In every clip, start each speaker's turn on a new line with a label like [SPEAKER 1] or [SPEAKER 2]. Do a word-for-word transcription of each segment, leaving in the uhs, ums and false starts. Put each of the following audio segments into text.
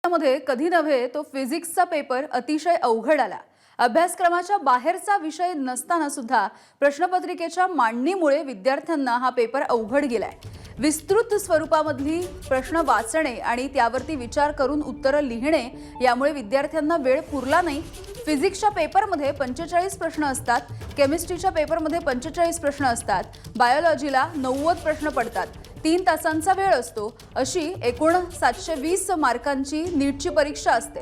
[SPEAKER 1] मध्ये कधी नव्हे तो फिजिक्सचा पेपर अतिशय अवघड आला। अभ्यासक्रमाच्या बाहेरचा विषय नसताना सुद्धा प्रश्नपत्रिकेच्या मांडणीमुळे विद्यार्थ्यांना हा पेपर अवघड गेलाय। विस्तृत स्वरूपामधली प्रश्न वाचणे आणि त्यावरती विचार करून उत्तरं लिहिणे यामुळे विद्यार्थ्यांना वेळ पुरला नाही। फिजिक्सच्या पेपरमध्ये पंचेचाळीस प्रश्न असतात, केमिस्ट्रीच्या पेपरमध्ये पंचेचाळीस प्रश्न असतात, बायोलॉजीला नव्वद प्रश्न पडतात, तीन तासांचा वेळ असतो। अशी एकूण सातशे वीस मार्कांची नीटची परीक्षा असते।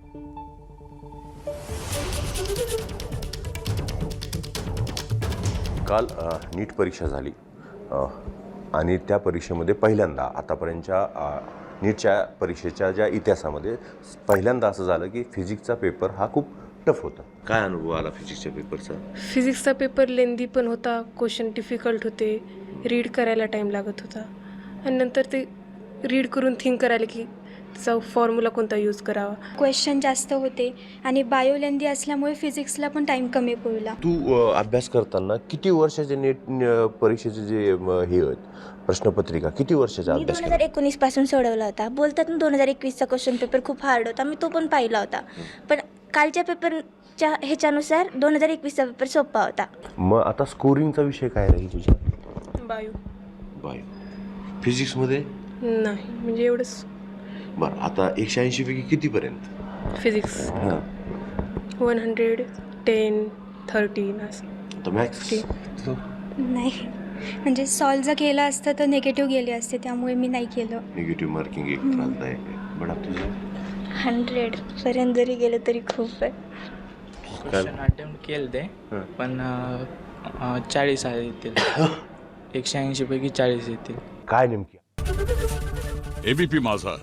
[SPEAKER 2] काल नीट परीक्षा झाली आणि त्या परीक्षेमध्ये पहिल्यांदा आतापर्यंतच्या नीटच्या परीक्षेच्या ज्या इतिहासामध्ये पहिल्यांदा असं झालं की फिजिक्सचा पेपर हा खूप टफ होता। काय अनुभव आला फिजिक्सच्या पेपरचा?
[SPEAKER 3] फिजिक्सचा पेपर लेंदी पण होता, क्वेश्चन डिफिकल्ट होते, रीड करायला टाईम लागत होता आणि नंतर ते रीड करून थिंक करायला की त्याचा फॉर्म्युला कोणता यूज करावा।
[SPEAKER 4] क्वेश्चन जास्त होते आणि बायो लेंदी असल्यामुळे फिजिक्सला पण टाईम कमी पडला।
[SPEAKER 2] तू अभ्यास करताना किती वर्षाचे नीट परीक्षेचे जे हे आहेत प्रश्नपत्रिका किती वर्षाचा
[SPEAKER 5] मी
[SPEAKER 2] अभ्यास
[SPEAKER 5] दोन हजार एकोणीस पासून सोडवला होता। बोलतात ना दोन हजार एकवीसचा क्वेश्चन पेपर खूप हार्ड होता, मी तो पण पाहिला होता, पण कालच्या पेपरच्या ह्याच्यानुसार दोन हजार एकवीसचा पेपर सोपा होता।
[SPEAKER 2] मग आता स्कोरिंगचा विषय काय राहील तुझा?
[SPEAKER 3] बायो
[SPEAKER 2] बायो फिजिक्समध्ये
[SPEAKER 3] नाही, म्हणजे एवढंच।
[SPEAKER 2] बरं, आता एकशे ऐंशी पैकी कितीपर्यंत
[SPEAKER 3] physics one hundred ten thirteen असं।
[SPEAKER 2] आता मॅथ्स
[SPEAKER 4] नाही, म्हणजे सॉल्व जर केलं असतं तर निगेटिव्ह गेले असते, त्यामुळे मी नाही केलं।
[SPEAKER 2] निगेटिव्ह मार्किंग एक त्रासदायक आहे। बडा तुझं
[SPEAKER 5] हंड्रेड पर्यंत जरी गेलं तरी खूप आहे।
[SPEAKER 6] क्वेश्चन अटेम्प्ट केलं ते पण चाळीस येतील, एकशे ऐंशी पैकी चाळीस येतील।
[SPEAKER 2] काय नेमकी?
[SPEAKER 7] एबीपी माझा